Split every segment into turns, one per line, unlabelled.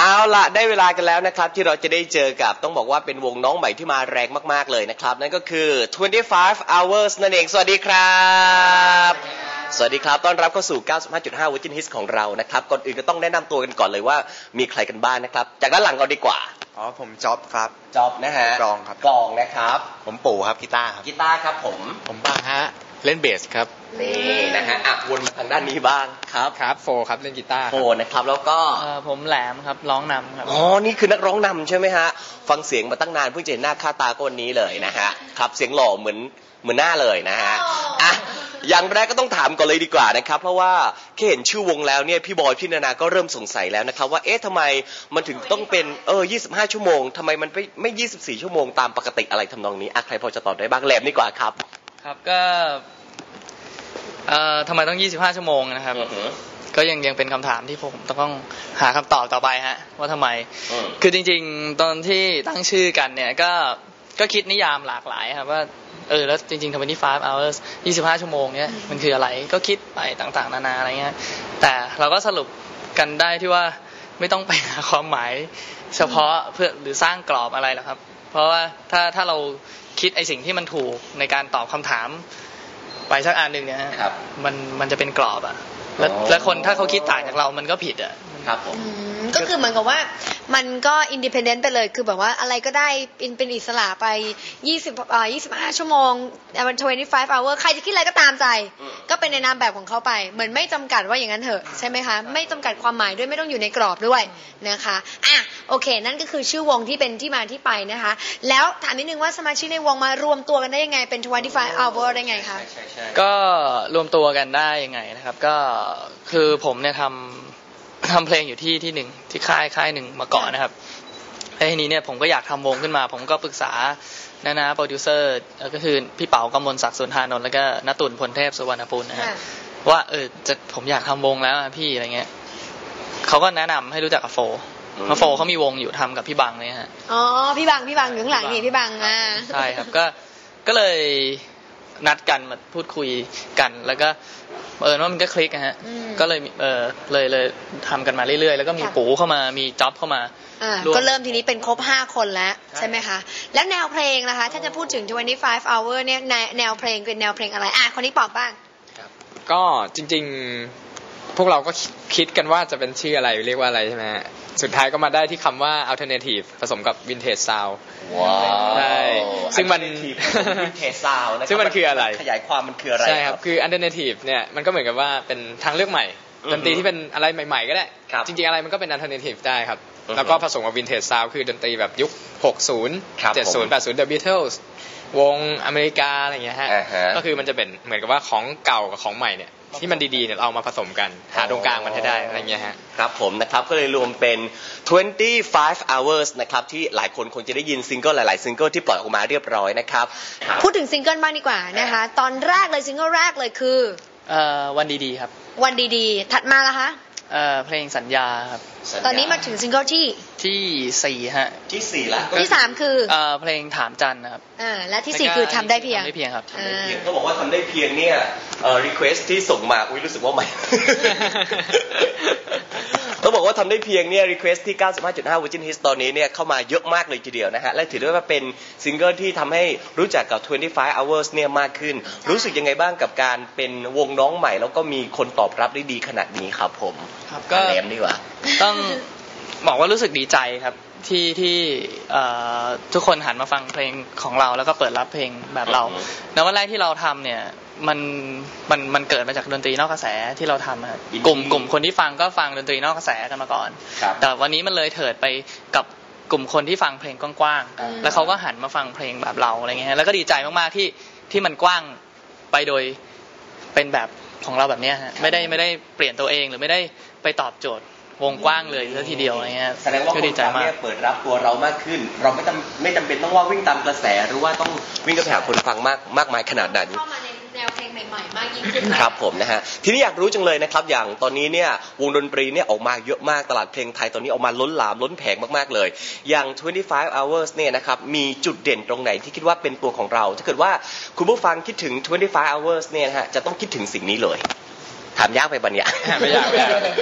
เอาล่ะได้เวลากันแล้วนะครับที่เราจะได้เจอกับต้องบอกว่าเป็นวงน้องใหม่ที่มาแรงมากๆเลยนะครับนั่นก็คือ25 hours นั่นเองสวัสดีครับสวัสดีครับต้อนรับเข้าสู่ 95.5 Virgin Hits ของเรานะครับก่อนอื่นก็ต้องแนะนำตัวกันก่อนเลยว่ามีใครกันบ้างนะครับจากด้านหลังก่อนดีกว่า
ผมจ๊อบครับ
จ๊อบนะฮะ
กลองครับ
กลองนะครับ
ผมปู่ครับกีตาร์ครับ
กีตาร์ครับผม
บ้างฮะเล่นเบสครับ
นี่นะฮะวนมาทางด้านนี้บ้าง
ครับโฟครับเล่นกีตาร์
โฟนะครับแล้วก็
ผมแหลมครับร้องนำครับ
อ๋อนี่คือนักร้องนำใช่ไหมฮะฟังเสียงมาตั้งนานเพิ่งจะเห็นหน้าค่าตาก็วันนี้เลยนะฮะครับเสียงหล่อเหมือนหน้าเลยนะฮะอ่ะอย่างแรกก็ต้องถามก่อนเลยดีกว่านะครับเพราะว่าแค่เห็นชื่อวงแล้วเนี่ยพี่บอยพี่นานาก็เริ่มสงสัยแล้วนะครับว่าเอ๊ะทำไมมันถึงต้องเป็น25 ชั่วโมงทำไมมันไม่24 ชั่วโมงตามปกติอะไรทำนองนี้อ่ะใครพอจะตอบได้บ้างแหลมดีกว่าครับ
ครับก็ทำไมต้อง25 ชั่วโมงนะครับก็ยังเป็นคำถามที่ผมต้องหาคำตอบต่อไปฮะว่าทำไมคือจริงๆตอนที่ตั้งชื่อกันเนี่ยก็คิดนิยามหลากหลายครับว่าแล้วจริงๆ25 hours 25 ชั่วโมงเนี่ยมันคืออะไรก็คิดไปต่างๆนานาอะไรเงี้ยแต่เราก็สรุปกันได้ที่ว่าไม่ต้องไปหาความหมายเฉพาะเพื่อหรือสร้างกรอบอะไรหรอกครับเพราะว่าถ้าเราคิดไอ้สิ่งที่มันถูกในการตอบคำถามไปสักอันหนึ่งเนี่ยมันจะเป็นกรอบอ่ะแล้วคนถ้าเขาคิดต่างจากเรามันก็ผิดอ่ะ
ครับผม
ก็คือเหมือนกับว่ามันก็อินดิเพนเดนต์ไปเลยคือแบบว่าอะไรก็ได้เป็นอิสระไป25 ชั่วโมง25 hour ใครจะคิดอะไรก็ตามใจก็เป็นในนามแบบของเขาไปเหมือนไม่จำกัดว่าอย่างนั้นเถอะใช่ไหมคะไม่จำกัดความหมายด้วยไม่ต้องอยู่ในกรอบด้วยนะคะอ่ะโอเคนั่นก็คือชื่อวงที่เป็นที่มาที่ไปนะคะแล้วถามนิดนึงว่าสมาชิกในวงมารวมตัวกันได้ยังไงเป็น25 hour ได้ไงคะ
ก็รวมตัวกันได้ยังไงนะครับก็คือผมเนี่ยทำเพลงอยู่ที่หนึ่งที่ค่ายหนึ่งมาก่อนนะครับแล้วทีนี้เนี่ยผมก็อยากทำวงขึ้นมาผมก็ปรึกษานะโปรดิวเซอร์ก็คือพี่เป๋ากำมลศักดิ์สุนทานนท์แล้วก็ณตุ่นพลเทพสุวรรณปุณนะฮะว่าผมอยากทำวงแล้วพี่อะไรเงี้ยเขาก็แนะนำให้รู้จักกับโฟเขามีวงอยู่ทำกับพี่บังเนี่ยฮะ
อ๋อพี่บังอยู่ข้างหลังนี่พี่บัง
ใช่ครับก็เลยนัดกันมาพูดคุยกันแล้วก็ว่ามันก็คลิกนะฮะก็เลยเลยทำกันมาเรื่อยๆแล้วก็มีปู่เข้ามามีจ๊อบเข้ามา
ก็เริ่มทีนี้เป็นครบ5 คนแล้วใช่ไหมคะแล้วแนวเพลงนะคะถ้าจะพูดถึง25 hour เนี่ยแนวเพลงเป็นแนวเพลงอะไรคนนี้ตอบบ้าง
ก็จริงๆพวกเราก็คิดกันว่าจะเป็นชื่ออะไรเรียกว่าอะไรใช่ไหมสุดท้ายก็มาได้ที่คำว่า alternative ผสมกับ vintage sound
ว้าว
ใช่ซึ่งมัน
vintage sound นะครับ
ซึ่งมันคืออะไร
ขยายความมันคืออะไร
ใช่ครับคือ alternative เนี่ยมันก็เหมือนกับว่าเป็นทางเลือกใหม่ดนตรีที่เป็นอะไรใหม่ๆก็ได้จริงๆอะไรมันก็เป็น alternative ได้ครับแล้วก็ผสมกับ vintage sound คือดนตรีแบบยุค60 70 80 The Beatles วงอเมริกาอะไรอย่างเงี้ยฮะก็คือมันจะเป็นเหมือนกับว่าของเก่ากับของใหม่เนี่ยที่มันดีๆเนี่ยเอามาผสมกันหาตรงกลางมันให้ได้อะไรเงี้ยฮะ
ครับผมนะครับก็เลยรวมเป็น25 hours นะครับที่หลายคนคงจะได้ยินซิงเกิลหลายๆซิงเกิลที่ปล่อยออกมาเรียบร้อยนะครับ
พูดถึงซิงเกิลบ้างดีกว่านะคะตอนแรกเลยซิงเกิลแรกเลยคือ
วันดีๆครับ
วันดีๆถัดมาล่ะคะ
เพลงสัญญาครับ
ตอนนี้มาถึงซิงเกิลที่
4ฮะ
ที่4แล้ว
ที่3คือ
เพลงถามจันนะครับ
และที่4คือทำได้เพียง
ครับ
เขาบอกว่าทำได้เพียงเนี่ยrequest ที่ส่งมารู้สึกว่าใหม่ต้องบอกว่าทำได้เพียงเนี่ย request ที่ 95.5 Virgin Hits ตอนนี้เนี่ยเข้ามาเยอะมากเลยทีเดียวนะฮะและถือได้ว่าเป็นซิงเกิลที่ทำให้รู้จักกับ25 hours เนี่ยมากขึ้นรู้สึกยังไงบ้างกับการเป็นวงน้องใหม่แล้วก็มีคนตอบรับได้ดีขนาดนี้ครับผม
ก็
แหลมดีกว่า
ต้องบอกว่ารู้สึกดีใจครับที่ทุกคนหันมาฟังเพลงของเราแล้วก็เปิดรับเพลงแบบเราในวันแรกที่เราทำเนี่ยมันเกิดมาจากดนตรีนอกกระแสที่เราทำครับกลุ่มคนที่ฟังก็ฟังดนตรีนอกกระแสกันมาก่อนแต่วันนี้มันเลยเถิดไปกับกลุ่มคนที่ฟังเพลงกว้างๆแล้วเขาก็หันมาฟังเพลงแบบเราอะไรเงี้ยแล้วก็ดีใจมากๆที่มันกว้างไปโดยเป็นแบบของเราแบบนี้ฮะไม่ได้เปลี่ยนตัวเองหรือไม่ได้ไปตอบโจทย์วงกว้างเลยซะทีเดียวอะไรเงี้ย
แสดงว่าคนฟังเนี่ยเปิดรับตัวเรามากขึ้นเราไม่จำเป็นต้องว่าวิ่งตามกระแสหรือว่าต้องวิ่งกระหาคนฟังมากมายขนาดนั้น
เข้ามาในแนวเพลงใหม่ๆมากยิ่งขึ้น
ครับผมนะฮะทีนี้อยากรู้จังเลยนะครับอย่างตอนนี้เนี่ยวงดนตรีเนี่ยออกมาเยอะมากตลาดเพลงไทยตอนนี้ออกมาล้นหลามล้นแผงมากๆเลยอย่าง25 hours เนี่ยนะครับมีจุดเด่นตรงไหนที่คิดว่าเป็นตัวของเราถ้าเกิดว่าคุณผู้ฟังคิดถึง25 hours เนี่ยนะฮะจะต้องคิดถึงสิ่งนี้เลยถามยากไปบัญญัติ
ไม่ยาก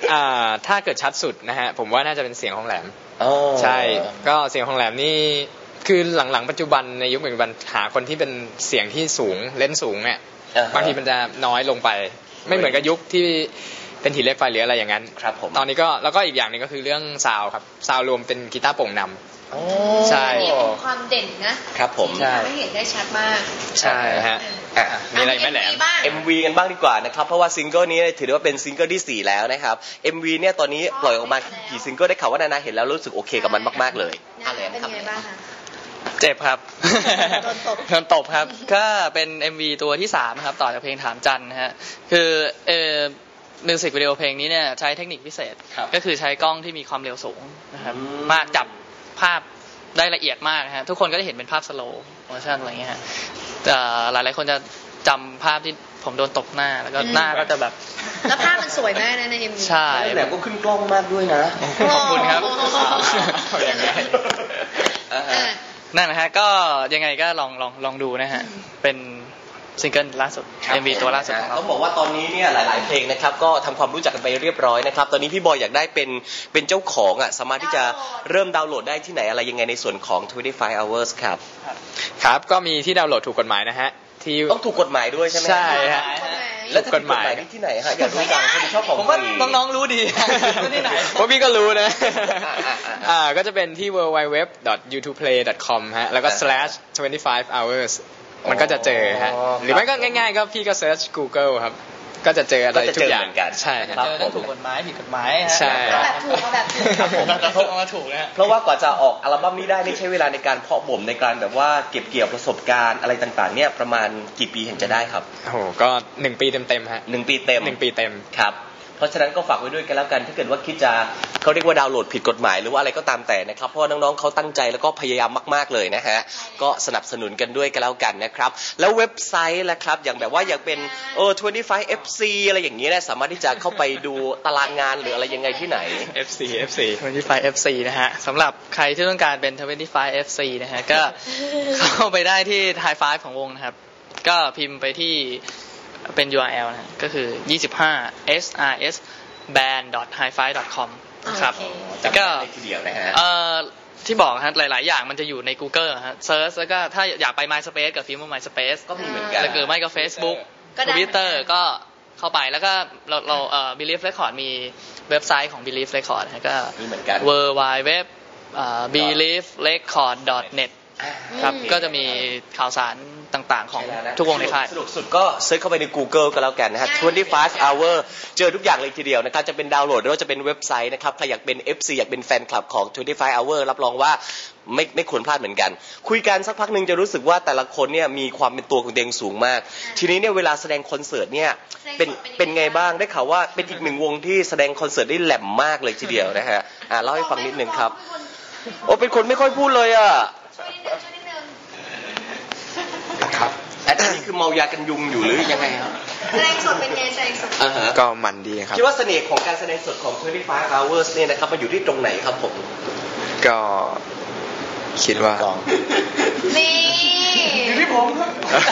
ถ้าเกิดชัดสุดนะฮะผมว่าน่าจะเป็นเสียงของแหลม
อ๋อ
ใช่ก็เสียงของแหลมนี่คือหลังๆปัจจุบันในยุคปัจจุบันหาคนที่เป็นเสียงที่สูงเล่นสูงเนี่ยบางทีมันจะน้อยลงไปไม่เหมือนกับยุคที่เป็นหินเหล็กไฟหรืออะไรอย่างนั้น
ครับผม
ตอนนี้ก็แล้วก็อีกอย่างหนึงก็คือเรื่องซาวครับซาวรวมเป็นกีตาร์โปร่งนำใช่
อันนี้เป็นความเด่นนะครับ
ผม
ที่ทำให้เห็นได้ชัดมาก
ใช่ฮะมีอะไรไหมแหลม
บ้าง
MV กันบ้างดีกว่านะครับเพราะว่าซิงเกิลนี้ถือได้ว่าเป็นซิงเกิลที่ 4 แล้วนะครับ MV เนี่ยตอนนี้ปล่อยออกมากี่ซิงเกิลได้ข่าวว่านานาเห็นแล้วรู้สึกโอเคกับมันมากๆเลย
เป็นยังไงบ้างคะ
เจ็บครับ
โดนตบ
โดนตบครับ ก็เป็น MV ตัวที่3ครับต่อจากเพลงถามจันนะฮะคือมิวสิกวิดีโอเพลงนี้เนี่ยใช้เทคนิคพิเศษ ก็คือใช้กล้องที่มีความเร็วสูงนะครับมากจับภาพได้ละเอียดมากนะฮะทุกคนก็จะเห็นเป็นภาพสโลว์โมชั่นอะไรเงี้ยฮะแต่หลายๆคนจะจำภาพที่ผมโดนตบหน้าแล้วก็หน้าก็จะแบบ
แล้วภาพมันสวยมากนะใน MV
ใช่
แหลมก็ขึ้นกล้องมากด้วยนะ
ขอบคุณครับ
อย่างไร
นั่นนะฮะก็ยังไงก็ลองดูนะฮะเป็นซิงเกิลล่าสุด MV ตัวล่าสุดของเรา
ต้องบอกว่าตอนนี้เนี่ยหลายๆเพลงนะครับก็ทำความรู้จักกันไปเรียบร้อยนะครับตอนนี้พี่บอยอยากได้เป็นเจ้าของอ่ะสามารถที่จะเริ่มดาวน์โหลดได้ที่ไหนอะไรยังไงในส่วนของ 25 hours ครับ
ครับก็มีที่ดาวน์โหลดถูกกฎหมายนะฮะที่
ต้องถูกกฎหมายด้วยใช่ไหม
ใช่ฮะ
แล้วถ้าถูกกฎหมายนี่ที่ไหนฮะอยากรู้จังคนชอบของ
ผมว่า
ฟรี
น้องๆรู้ดี ที่ไหน
เพราะพี่ก็รู้นะก็จะเป็นที่ www.youtubeplay.com ฮะแล้วก็ /25hours มันก็จะเจอฮะหรือไม่ก็ง่ายๆก็พี่ก็ search Google ครับก็จะเจออะไรทุกอย่างใช่ครับ
เจอทั้งถูกกฎหมายผิดกฎหมายฮะ
ใช่
เอาแบบถูกเอาแบบถูก
ครับผม
แต่พวกมาถูกนะฮะ
เพราะว่ากว่าจะออกอัลบั้มนี้ได้นี่ใช้เวลาในการเพาะบ่มในการแบบว่าเก็บเกี่ยวประสบการณ์อะไรต่างๆเนี่ยประมาณกี่ปีเห็นจะได้ครับ
โอ้โหก็1 ปีเต็มๆฮะ
1 ปีเต็ม
1 ปีเต็ม
ครับเพราะฉะนั้นก็ฝากไว้ด้วยกันแล้วกันถ้าเกิดว่าคิดจะเขาเรียกว่าดาวน์โหลดผิดกฎหมายหรือว่าอะไรก็ตามแต่นะครับเพราะว่าน้องๆเขาตั้งใจแล้วก็พยายามมากๆเลยนะฮะก็สนับสนุนกันด้วยกันแล้วกันนะครับแล้วเว็บไซต์ล่ะครับอย่างแบบว่าอยากเป็น25 FC อะไรอย่างนี้นะสามารถที่จะเข้าไปดูตารางงานหรืออะไรยังไงที่ไหน
FC
25 FC นะฮะสำหรับใครที่ต้องการเป็น 25 FC นะฮะก็เข้าไปได้ที่ High Five ของวงนะครับก็พิมพ์ไปที่เป็น URL นะก็คือ25 srs band.highfive.com นะครับ
จำได้เลยทีเดียวนะฮะ
ที่บอกฮะหลายๆอย่างมันจะอยู่ใน Google ฮะเซิร์ชแล้วก็ถ้าอยากไป MySpace กับพิมพ์ว่า MySpace
ก็มีเหมือนกัน
แล้วก็ไม่ก็ Facebook
ก็ได้
Twitter ก็เข้าไปแล้วก็เราBelieve Record มีเว็บไซต์ของ Believe Record นะก็
มีเหมือนกัน
www believerecord.net ครับก็จะมีข่าวสารต่างๆของทุกวงในค่าย
สนุกสุดก็เซิร์ชเข้าไปใน Google ก็แล้วกันนะฮะ25 hour เจอทุกอย่างเลยทีเดียวนะครับจะเป็นดาวน์โหลดหรือว่าจะเป็นเว็บไซต์นะครับใครอยากเป็น FC อยากเป็นแฟนคลับของ25 hour รับรองว่าไม่ควรพลาดเหมือนกันคุยกันสักพักหนึ่งจะรู้สึกว่าแต่ละคนเนี่ยมีความเป็นตัวของตัวเองสูงมากทีนี้เนี่ยเวลาแสดงคอนเสิร์ตเนี่ยเป็นไงบ้างได้ข่าวว่าเป็นอีกหนึ่งวงที่แสดงคอนเสิร์ตได้แหลมมากเลยทีเดียวนะฮะเล่าให้ฟังนิดนึงครับโอ้เป็นคนไม่ค่อยพูดเลยอ่ะครับอันนี้คือเมายากันยุงอยู่หรือยังไงครับ
แสดงสดเป็นไงแสดงสด
ก็มันดีครับ
คิดว่าเสน่ห์ของการแสดงสดของ25 hours เนี่ยนะครับมันอยู่ที่ตรงไหนครับผม
ก็คิดว่า
นี่
อยู่ที่ผมครับ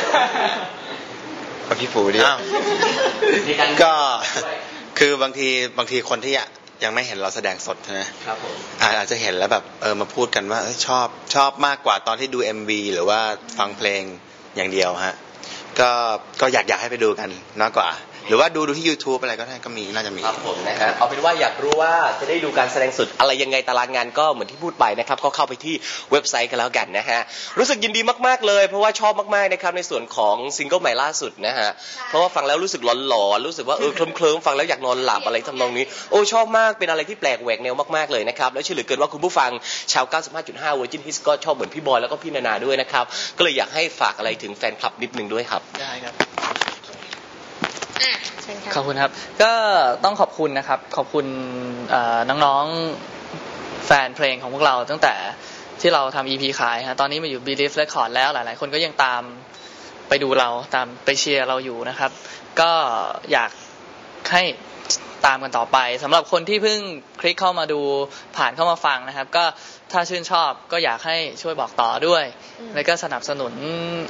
กับพี่ปูดิ
ก็คือบางทีคนที่ยังไม่เห็นเราแสดงสดใช่ไหม
ครับผม
อาจจะเห็นแล้วแบบมาพูดกันว่าชอบมากกว่าตอนที่ดู MV หรือว่าฟังเพลงอย่างเดียวฮะก็อยากให้ไปดูกันมากกว่า หรือว่าดูที่ YouTube อะไรก็ได้ก็มีน่าจะมี
ครับผมนะฮะเอาเป็นว่าอยากรู้ว่าจะได้ดูการแสดงสดอะไรยังไงตารางงานก็เหมือนที่พูดไปนะครับก็เข้าไปที่เว็บไซต์กันแล้วกันนะฮะรู้สึกยินดีมากๆเลยเพราะว่าชอบมากๆนะครับในส่วนของซิงเกิลใหม่ล่าสุดนะฮะเพราะว่าฟังแล้วรู้สึกหลอนๆรู้สึกว่าเคลิ้มๆฟังแล้วอยากนอนหลับอะไรทำนองนี้โอ้ชอบมากเป็นอะไรที่แปลกแหวกแนวมากๆเลยนะครับแล้วเชื่อเหลือเกินว่าคุณผู้ฟังชาว 95.5 Virgin Hits ก็ชอบเหมือนพี่บอยแล้วก็พี่นานาด้วยนะครับก็เลยอยากให้ฝากอะไรถึงแฟนคลับนิดนึงด้วยครับ
ได้ครับ
เชิญค่ะ
ขอบคุณครับก็ต้องขอบคุณนะครับขอบคุณน้องๆแฟนเพลงของพวกเราตั้งแต่ที่เราทำ EP ขายฮะตอนนี้มาอยู่ Believe Record แล้วหลายๆคนก็ยังตามไปดูเราตามไปเชียร์เราอยู่นะครับก็อยากให้ตามกันต่อไปสำหรับคนที่เพิ่งคลิกเข้ามาดูผ่านเข้ามาฟังนะครับก็ถ้าชื่นชอบก็อยากให้ช่วยบอกต่อด้วยแล้วก็สนับสนุน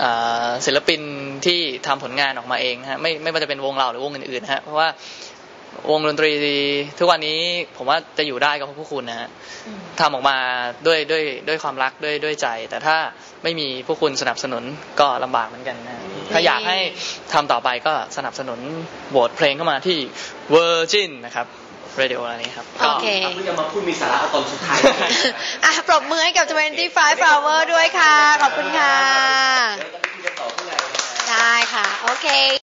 ศิลปินที่ทำผลงานออกมาเองฮะไม่ว่าจะเป็นวงเราหรือวงอื่นๆฮะเพราะว่าวงดนตรีทุกวันนี้ผมว่าจะอยู่ได้ก็เพราะพวกคุณนะฮะทำออกมาด้วยความรักด้วยใจแต่ถ้าไม่มีพวกคุณสนับสนุนก็ลำบากเหมือนกันนะถ้าอยากให้ทำต่อไปก็สนับสนุนโหวตเพลงเข้ามาที่ Virgin นะครับเรดิโออะไรนี้ครับ
โอเค
เพิ่งจะมาพูดมีสาระตอนสุดท้าย
อ่ะปรบมือให้กับ 25 Hour ด้วยค่ะ ขอบคุณค่ะ ได้ค่ะ โอเค